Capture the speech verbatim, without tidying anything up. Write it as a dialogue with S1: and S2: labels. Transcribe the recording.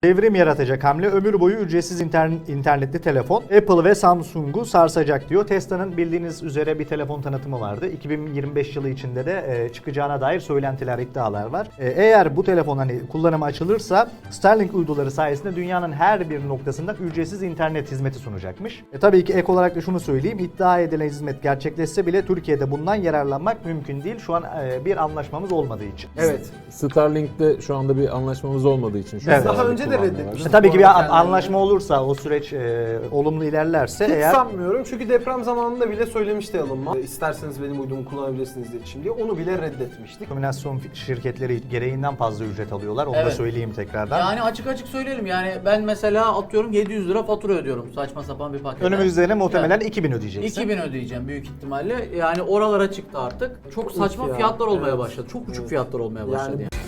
S1: Devrim yaratacak hamle, ömür boyu ücretsiz internet, internetli telefon Apple ve Samsung'u sarsacak diyor. Tesla'nın bildiğiniz üzere bir telefon tanıtımı vardı. iki bin yirmi beş yılı içinde de e, çıkacağına dair söylentiler, iddialar var. E, eğer bu telefon hani kullanıma açılırsa Starlink uyduları sayesinde dünyanın her bir noktasında ücretsiz internet hizmeti sunacakmış. E, tabii ki ek olarak da şunu söyleyeyim. İddia edilen hizmet gerçekleşse bile Türkiye'de bundan yararlanmak mümkün değil. Şu an e, bir anlaşmamız olmadığı için.
S2: Evet.
S3: Starlink'te şu anda bir anlaşmamız olmadığı için. Şu
S1: Evet.
S3: an
S2: Daha önce de
S3: kullanmıyorlar.
S2: reddetmiştik.
S1: E, tabii ki bir
S2: Bu arada kendilerini.
S1: anlaşma olursa, o süreç e, olumlu ilerlerse
S2: Hiç
S1: eğer...
S2: sanmıyorum çünkü deprem zamanında bile söylemişti Elon Musk. E, İsterseniz benim uydumu kullanabilirsiniz iletişim diye. Onu bile reddetmiştik.
S1: Kombinasyon şirketleri gereğinden fazla ücret alıyorlar. Onu da
S4: Evet.
S1: söyleyeyim tekrardan.
S4: Yani açık açık söyleyelim, yani ben mesela atıyorum yedi yüz lira fatura ödüyorum saçma sapan bir pakete.
S1: Önümüzde muhtemelen
S4: Yani
S1: iki bin ödeyeceksin.
S4: iki bin ödeyeceğim büyük ihtimalle. Yani oralara çıktı artık. Çok saçma
S2: ya.
S4: fiyatlar olmaya
S2: Evet.
S4: başladı. Çok uçuk
S2: Evet.
S4: fiyatlar olmaya başladı.
S2: Yani
S4: Yani.